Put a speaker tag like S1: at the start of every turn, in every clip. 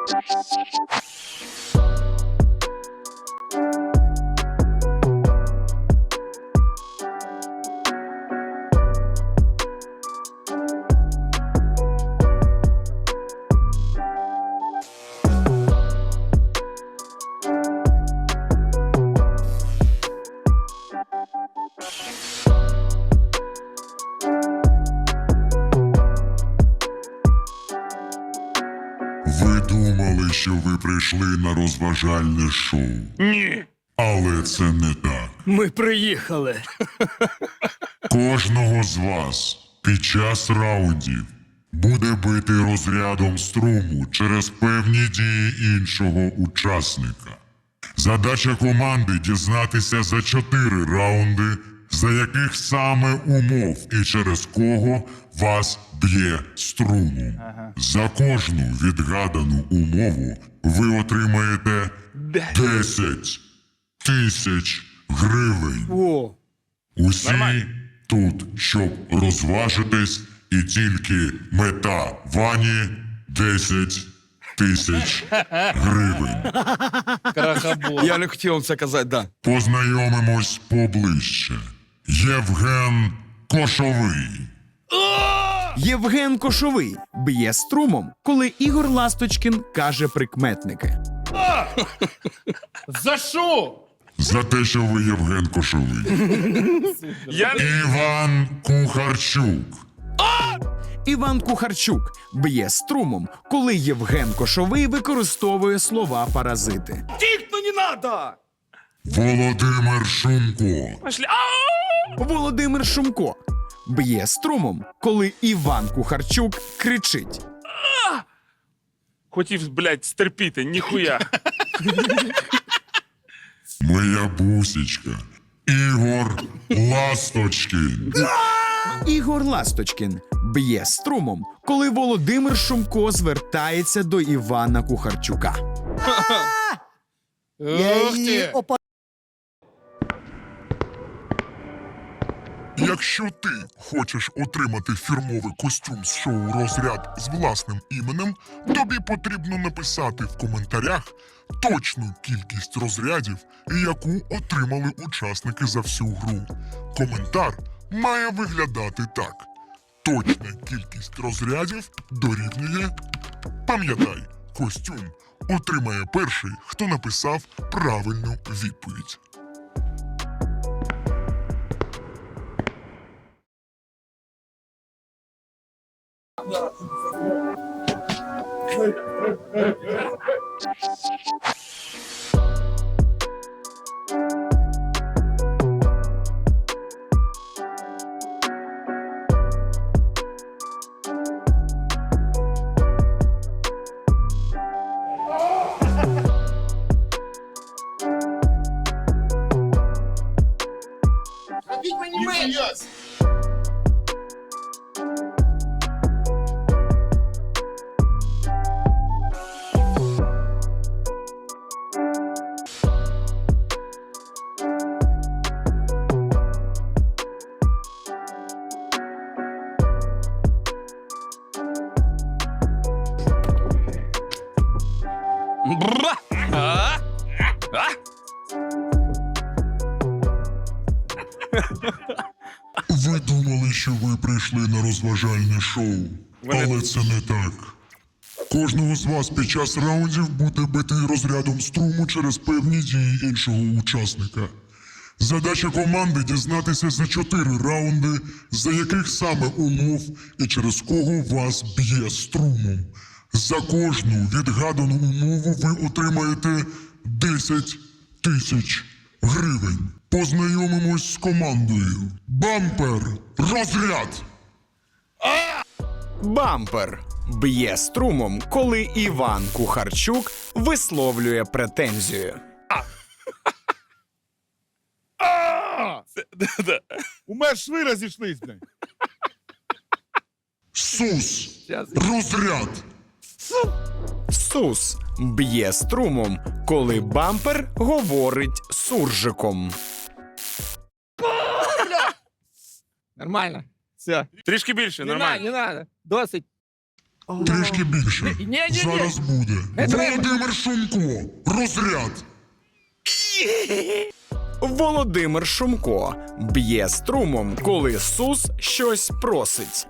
S1: Ви думали, що ви прийшли на розважальне шоу.
S2: Ні.
S1: Але це не так.
S2: Ми приїхали.
S1: Кожного з вас під час раундів буде бити розрядом струму через певні дії іншого учасника. Задача команди дізнатися за 4 раунди, за яких саме умов і через кого вас б'є струмом. За кожну відгадану умову ви отримаєте 10 тисяч гривень.
S2: О,
S1: Усі
S2: Нормально.
S1: тут, щоб розважитись, і тільки мета Вані 10 тисяч гривень.
S2: крахобор. Я не хотів вам це казати, да.
S1: Познайомимось поближче. Євген Кошовий.
S3: Євген Кошовий б'є струмом, коли Ігор Ласточкін каже прикметники.
S2: За що?
S1: За те, що ви Євген Кошовий. Іван Кухарчук.
S3: Іван Кухарчук б'є струмом, коли Євген Кошовий використовує слова паразити.
S2: Тікно не надо!
S1: Володимир Шумко.
S2: Пошли.
S3: Володимир Шумко б'є струмом, коли Іван Кухарчук кричить.
S2: Хотів, блядь, стерпіти, ніхуя.
S1: Моя бусечка. Ігор Ласточкін.
S3: Ігор Ласточкін б'є струмом, коли Володимир Шумко звертається до Івана Кухарчука.
S2: Ух ти.
S1: Якщо ти хочеш отримати фірмовий костюм з шоу «Розряд» з власним іменем, тобі потрібно написати в коментарях точну кількість розрядів, яку отримали учасники за всю гру. Коментар має виглядати так. Точна кількість розрядів дорівнює... Пам'ятай, костюм отримає перший, хто написав правильну відповідь.
S2: Бра! А?
S1: Ви думали, що ви прийшли на розважальне шоу, але це не так. Кожного з вас під час раундів буде бити розрядом струму через певні дії іншого учасника. Задача команди дізнатися за 4 раунди, за яких саме умов і через кого вас б'є струмом. За кожну відгадану умову ви отримаєте 10 тисяч гривень. Познайомимось з командою. Бампер, розряд!
S3: Бампер б'є струмом, коли Іван Кухарчук висловлює претензію.
S4: У мене шви розійшлись, блядь.
S1: Сус, розряд!
S3: Сус б'є струмом, коли бампер говорить суржиком.
S5: Нормально. Все.
S2: Трішки більше,
S5: Не
S2: нормально.
S5: надо, не надо. Досить.
S1: Трішки більше.
S2: Ні-ні-ні.
S1: Зараз буде.
S2: Не треба.
S1: Володимир Шумко. Розряд.
S3: Володимир Шумко б'є струмом, коли Сус щось просить.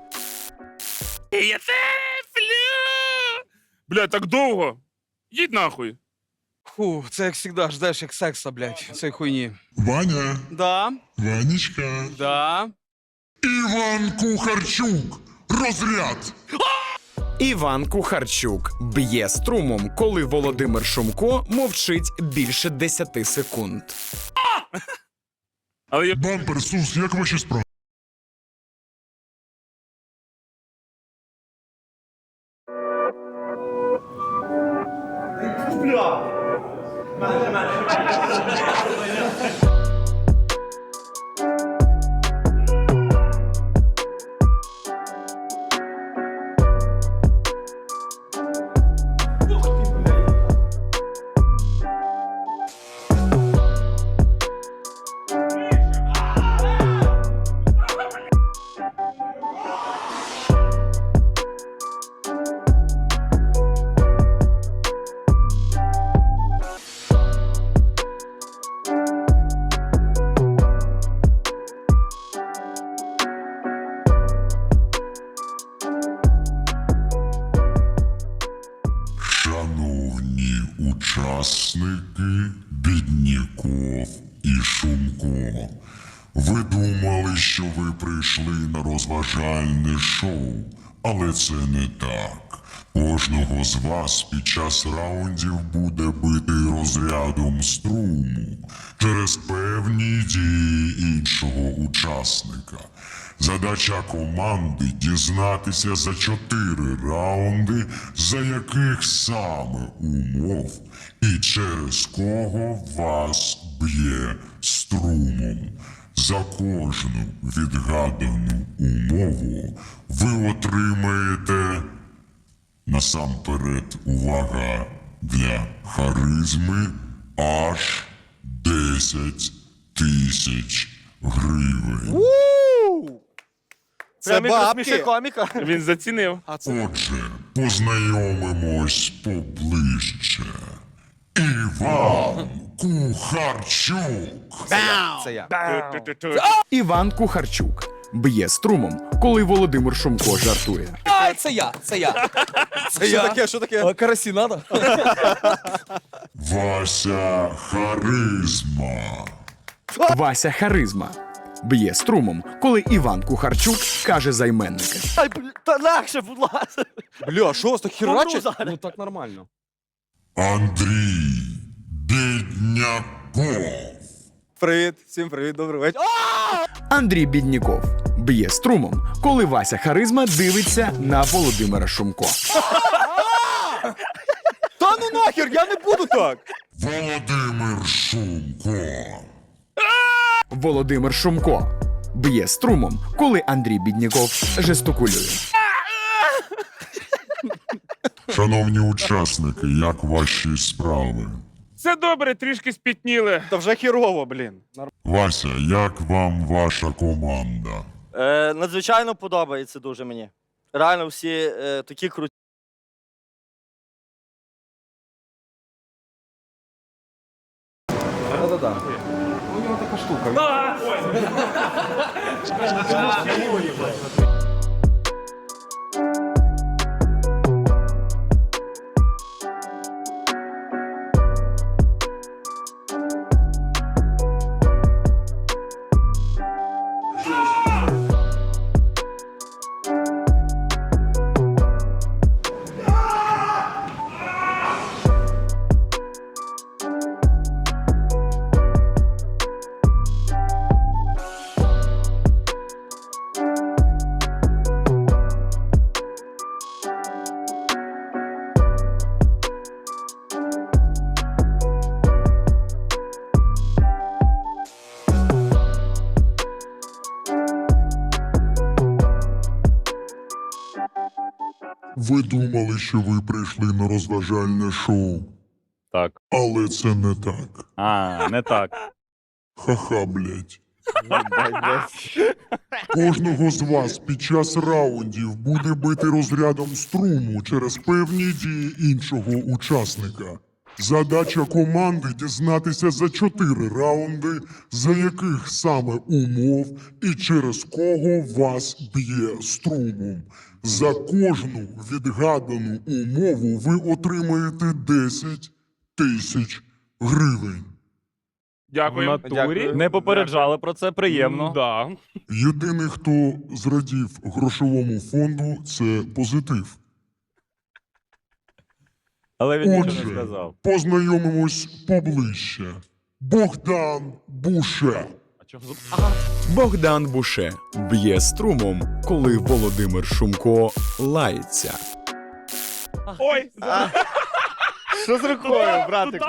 S2: Я теплю! Бля, так довго. Їдь нахуй.
S5: Фу, це як завжди ждеш як секса, блядь, цієї хуйні.
S1: Ваня.
S5: Да,
S1: Ванечка.
S5: да.
S1: Іван Кухарчук. Розряд.
S3: Іван Кухарчук б'є струмом, коли Володимир Шумко мовчить більше 10 секунд.
S2: Але я...
S1: Бампер, Сус, як ваші справи? Шановні учасники Бідніков і Шумко, ви думали, що ви прийшли на розважальне шоу, але це не так. Кожного з вас під час раундів буде бити розрядом струму через певні дії іншого учасника. Задача команди дізнатися за 4 раунди, за яких саме умов і через кого вас б'є струмом. За кожну відгадану умову ви отримаєте насамперед увага для харизми аж 10 тисяч гривень.
S5: Це бабки.
S6: коміка.
S2: Він зацінив.
S1: Отже, познайомимось поближче. Іван Кухарчук.
S6: Це я.
S2: Ту-ту-ту.
S3: Іван Кухарчук б'є струмом, коли Володимир Шумко жартує.
S6: Це я. Це
S5: Що
S6: я.
S5: таке, що таке?
S6: Карасі надо?
S1: Вася Харизма.
S3: Вася Харизма б'є струмом, коли Іван Кухарчук каже займенники.
S6: Ай, та легше, будь ласка.
S5: Бля, що вас так херачить?
S6: зараз.
S5: Ну так нормально.
S1: Андрій Бідняков.
S5: Привіт, всім привіт, добрий вечір.
S3: Андрій Бідніков б'є струмом, коли Вася Харизма дивиться на Володимира Шумко.
S5: Та ну нахер, я не буду так.
S1: Володимир Шумко.
S3: Володимир Шумко б'є струмом, коли Андрій Бідніков жестикулює.
S1: Шановні учасники, як ваші справи?
S2: Це добре, трішки спітніли.
S5: Та вже херово, блін.
S1: Вася, як вам ваша команда?
S6: Надзвичайно подобається дуже мені. Реально всі такі круті.
S5: Да-да-да. У нього така штука.
S1: Ви думали, що ви прийшли на розважальне шоу,
S7: Так.
S1: але це не так.
S7: А, не так.
S1: Ха-ха, блять. Кожного з вас під час раундів буде бити розрядом струму через певні дії іншого учасника. Задача команди дізнатися за 4 раунди, за яких саме умов і через кого вас б'є струмом. За кожну відгадану умову ви отримаєте 10 тисяч гривень.
S2: Дякую.
S7: Не попереджали про це, приємно.
S2: Да.
S1: Єдиний, хто зрадів грошовому фонду, це позитив.
S7: Але він нічого не
S1: Отже,
S7: сказав.
S1: познайомимось поближче. Богдан Буше.
S3: Богдан Буше б'є струмом, коли Володимир Шумко лається.
S2: Ой!
S5: Що з рукою, братику?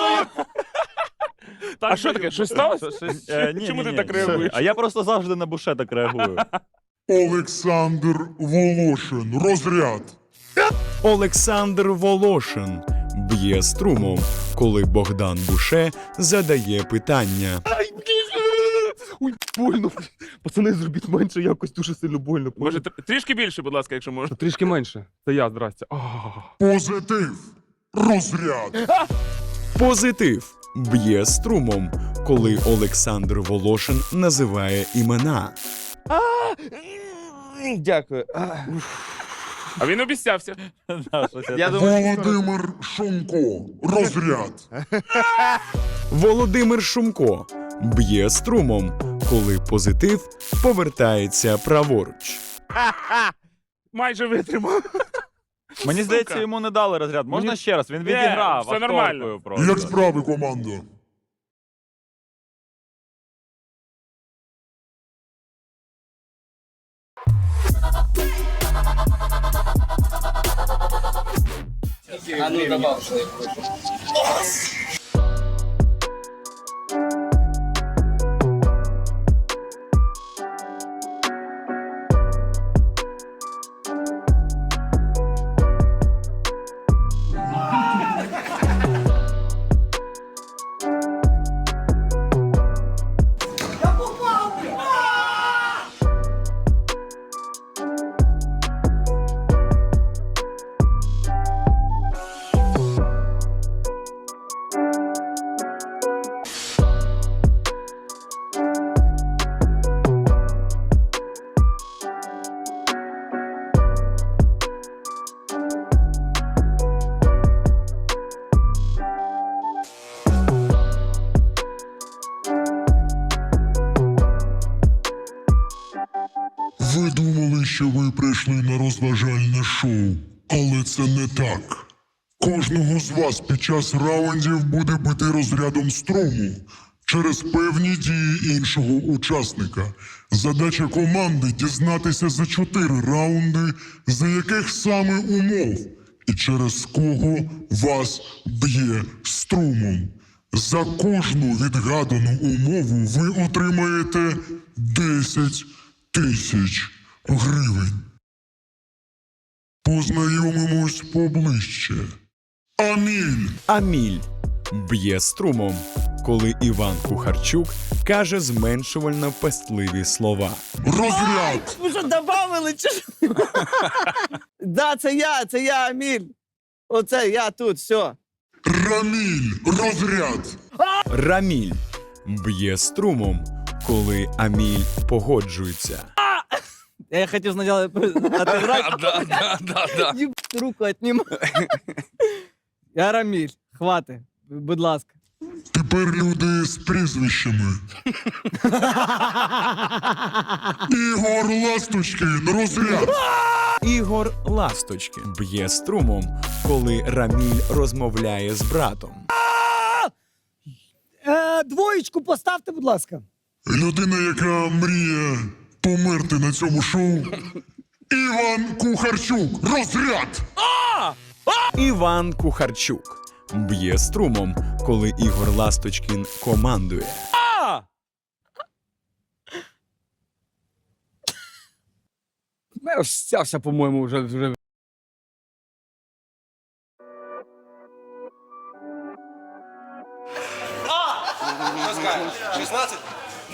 S2: А що таке? Щось сталося? Чому ти так реагуєш?
S7: А я просто завжди на Буше так реагую.
S1: Олександр Волошин. Розряд.
S3: Олександр Волошин б'є струмом, коли Богдан Буше задає питання.
S8: Ой, больно. Пацани, зробіть менше, якось дуже сильно больно.
S2: Може, трішки більше, будь ласка, якщо можна.
S8: Трішки менше. Це я, здрасте.
S1: Позитив. Розряд.
S3: Позитив б'є струмом, коли Олександр Волошин називає імена.
S5: Дякую.
S2: А він обіцявся.
S7: Да, щось я
S5: Я
S7: так-
S5: думаю,
S1: Володимир Шумко. Розряд.
S3: Володимир Шумко б'є струмом, коли позитив повертається праворуч.
S2: Майже витримав.
S7: Мені здається, йому не дали розряд. Можна ще раз? Він
S2: Ні,
S7: відіграв.
S2: все
S7: акторкою
S2: нормально.
S7: просто.
S1: Як справи, команда? Ви думали, що ви прийшли на розважальне шоу, але це не так. Кожного з вас під час раундів буде бити розрядом струму через певні дії іншого учасника. Задача команди дізнатися за 4 раунди, за яких саме умов і через кого вас б'є струмом. За кожну відгадану умову ви отримаєте 10 тисяч гривень. Познайомимось поближче. Аміль.
S3: Аміль б'є струмом, коли Іван Кухарчук каже зменшувально пестливі слова.
S1: Розряд.
S5: ви що, добавили чи що? Да, це я, Аміль. Оце я тут, все.
S1: Раміль. Розряд.
S3: Раміль б'є струмом, коли Аміль погоджується.
S5: Я хотів спочатку отыграть.
S7: Да.
S5: Ебать, руку отнимай. Я Раміль. Хвати. Будь ласка.
S1: Тепер люди з прізвищами. Ігор Ласточкин. Розряд.
S3: Ігор Ласточкин б'є струмом, коли Раміль розмовляє з братом.
S9: Двоєчку поставте, будь ласка.
S1: Людина, яка мріє померти на цьому шоу. Іван Кухарчук. Розряд.
S3: Іван Кухарчук б'є струмом, коли Ігор Ласточкін командує.
S8: Я стявся, по-моєму, вже.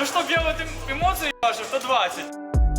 S7: Ну, щоб я от емоції бачив, то 20.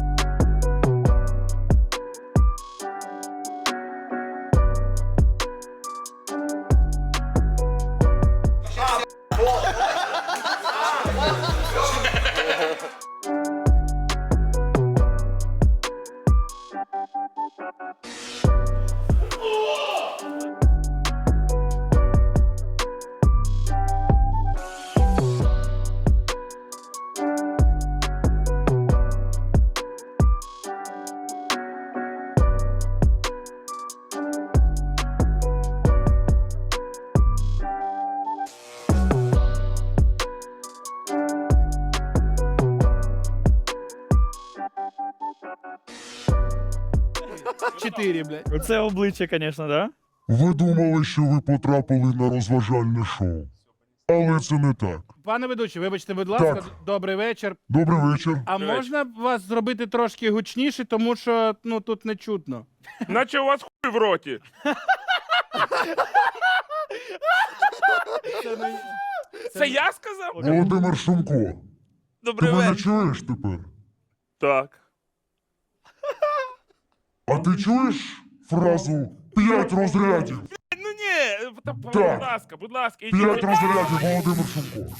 S4: Чотири, блядь.
S7: Оце обличчя, звісно, да?
S1: Ви думали, що ви потрапили на розважальне шоу. Але це не так.
S10: Пане ведучий, вибачте, будь ласка,
S1: Так.
S10: добрий вечір.
S1: Добрий вечір.
S10: А можна вас зробити трошки гучніше, тому що ну тут не чутно.
S2: Наче у вас хуй в роті. Це я сказав?
S1: Володимир Шумко, ти
S2: Добрий
S1: мене
S2: вечір.
S1: чуєш тепер?
S2: Так.
S1: А ти чуєш фразу «5 розрядів»?
S2: Ну ні, будь
S1: Так.
S2: ласка, будь ласка,
S1: 5
S2: ідіть.
S1: розрядів, Володимир Шумко.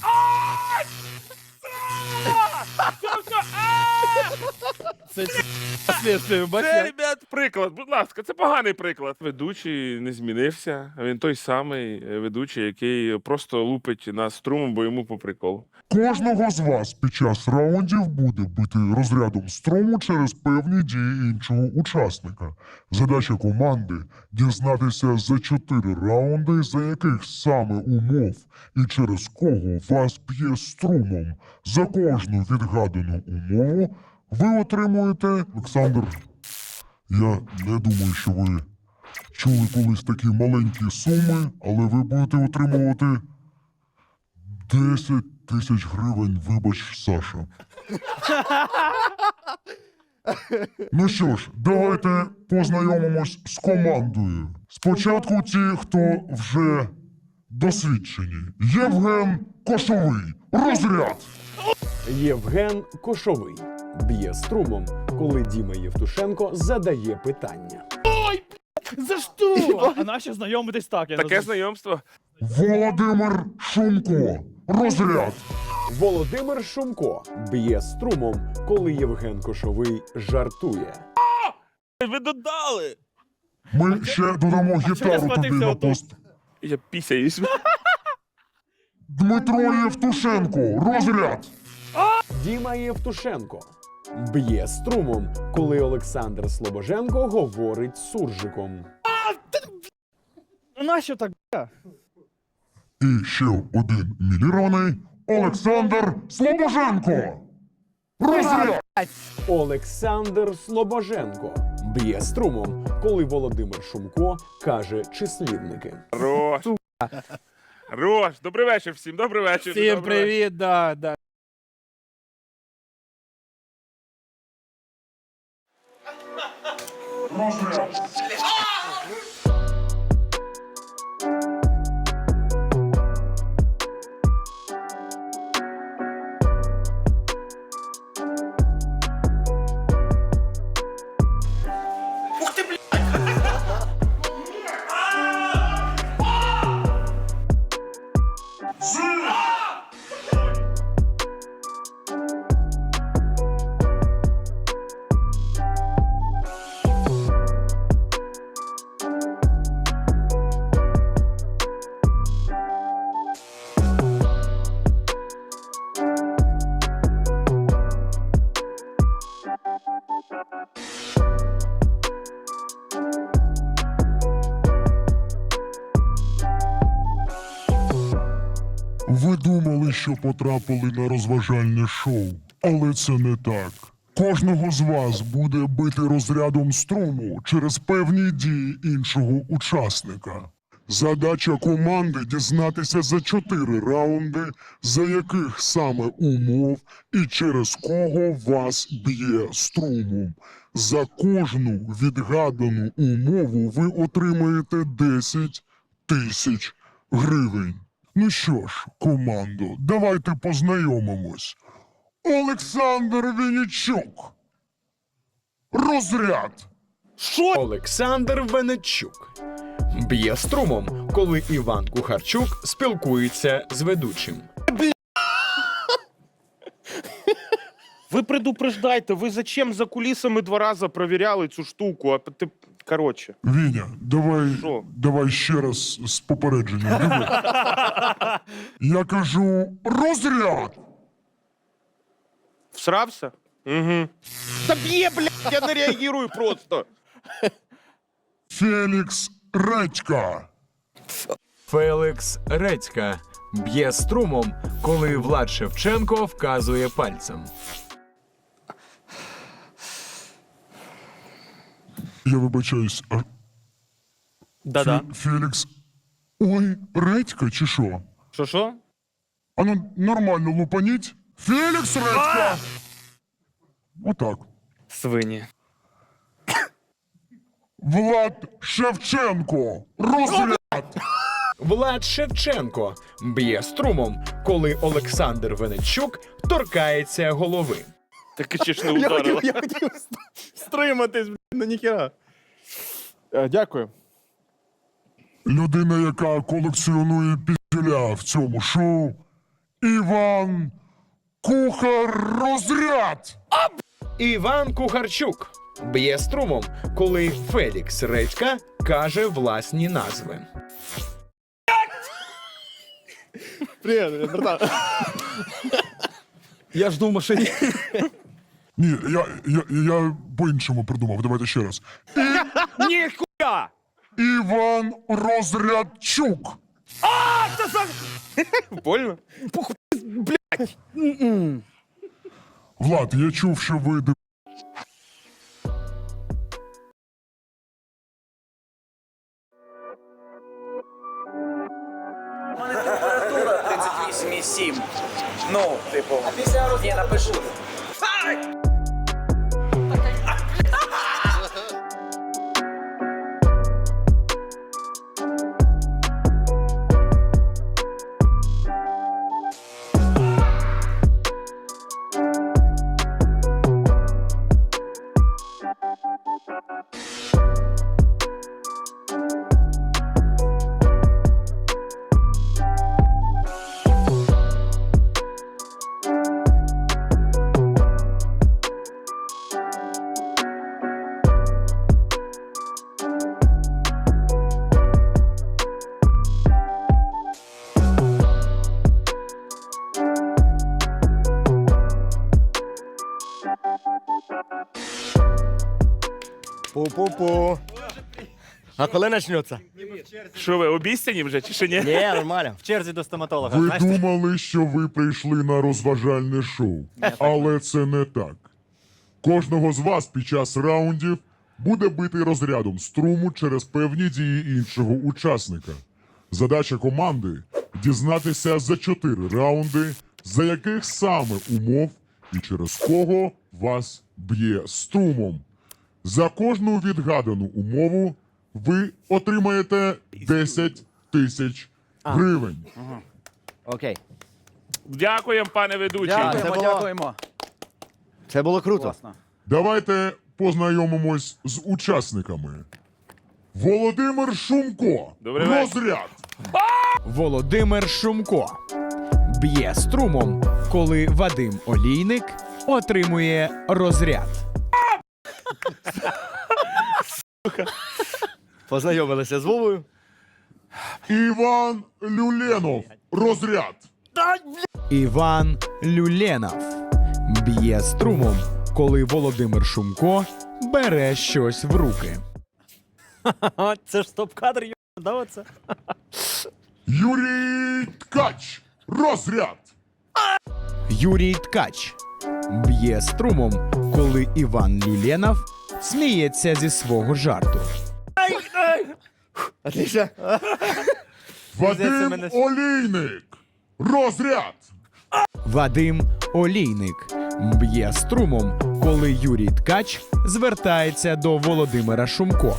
S2: Це, ребят, приклад, будь ласка, це поганий приклад. Ведучий не змінився. Він той самий ведучий, який просто лупить нас струмом, бо йому по приколу.
S1: Кожного з вас під час раундів буде бити розрядом струму через певні дії іншого учасника. Задача команди – дізнатися за 4 раунди, за яких саме умов і через кого вас б'є струмом. За кожну відгадану умову ви отримуєте... Олександр, я не думаю, що ви чули колись такі маленькі суми, але ви будете отримувати 10 тисяч гривень, вибач, Саша. Ну що ж, давайте познайомимось з командою. Спочатку ті, хто вже досвідчені. Євген Кошовий. Розряд!
S3: Євген Кошовий б'є струмом, коли Діма Євтушенко задає питання.
S10: За що?
S7: А наші знайомитись так, я
S2: Таке знайомство.
S1: Володимир Шумко. Розряд!
S3: Володимир Шумко б'є струмом, коли Євген Кошовий жартує.
S2: Ви додали.
S1: Ми ще додамо гітару тобі на пост.
S2: Я пісяюсь.
S1: Дмитро Євтушенко. Розряд!
S3: Діма Євтушенко б'є струмом, коли Олександр Слобоженко говорить суржиком.
S7: Ну нащо так?
S1: І ще один міліроний Олександр Слобоженко. Розряд!
S3: Олександр Слобоженко б'є струмом, коли Володимир Шумко каже числівники.
S2: Хорош. Хорош. Добрий вечір всім, добрий вечір.
S10: Всім
S2: добрий вечір.
S10: привіт, да.
S1: Розряд! Ви думали, що потрапили на розважальне шоу, але це не так. Кожного з вас буде бити розрядом струму через певні дії іншого учасника. Задача команди дізнатися за 4 раунди, за яких саме умов і через кого вас б'є струмом. За кожну відгадану умову ви отримаєте 10 тисяч гривень. Ну що ж, командо, давайте познайомимось. Олександр Вінничук. Розряд.
S3: Олександр Венечук б'є струмом, коли Іван Кухарчук спілкується з ведучим.
S10: Ви предупреждайте, ви зачем за кулісами 2 рази провіряли цю штуку? А ти... Коротше.
S1: Віня,
S10: Що?
S1: давай ще раз з попередженням. Диви. Я кажу розряд.
S10: Всрався? Угу. Та б'є, блядь, я не реагую просто.
S1: Фелікс Редька.
S3: Фелікс Редька б'є струмом, коли Влад Шевченко вказує пальцем.
S1: Я вибачаюсь, а
S7: Да-да.
S1: Фелікс. Ой, Редька чи що?
S10: Що?
S1: А ну нормально лупаніть. Фелікс Редька! Отак.
S10: Свині.
S1: Влад Шевченко. Розряд.
S3: Влад Шевченко б'є струмом, коли Олександр Венечук торкається голови.
S2: Так чи ж не ударило.
S8: Я хотів стриматись, ну ніхера. Дякую.
S1: Людина, яка колекціонує піздюля в цьому шоу. Іван Кухар Розряд.
S3: Іван Кухарчук б'є струмом, коли Фелікс Редька каже власні назви.
S8: Привіт, братан. Я жду в машині.
S1: Ні, я по-іншому придумав. Давайте ще раз.
S10: Ніхуя!
S1: Іван Розрядчук.
S10: Больно?
S1: Влад, я чув, що ви
S11: У мене температура 38,7. Ну, типу, я напишу.
S8: Пу-пу-пу. А коли почнеться?
S2: Що ви, обіцяні вже чи ще ні?
S8: Ні, нормально.
S6: В черзі до стоматолога.
S1: Ви думали, що ви прийшли на розважальне шоу, але це не так. Кожного з вас під час раундів буде бити розрядом струму через певні дії іншого учасника. Задача команди – дізнатися за 4 раунди, за яких саме умов і через кого вас б'є струмом. За кожну відгадану умову ви отримаєте 10 тисяч гривень.
S8: Окей.
S2: Дякуємо, пане ведучий.
S8: Дякуємо. Це було круто.
S1: Давайте познайомимось з учасниками. Володимир Шумко.
S2: Добрий вечір.
S1: Розряд.
S3: Володимир Шумко б'є струмом, коли Вадим Олійник отримує розряд.
S8: Познайомилися з Вовою.
S1: Іван Люленов. Розряд.
S3: Іван Люленов б'є струмом, коли Володимир Шумко бере щось в руки.
S6: Це ж стоп-кадр, да, оце?
S1: Юрій Ткач. Розряд.
S3: Юрій Ткач б'є струмом, коли Іван Люленов сміється зі свого жарту.
S8: Отлично.
S1: Вадим
S6: мене-
S1: Олійник. Розряд.
S3: Вадим Олійник б'є струмом, коли Юрій Ткач звертається до Володимира Шумко.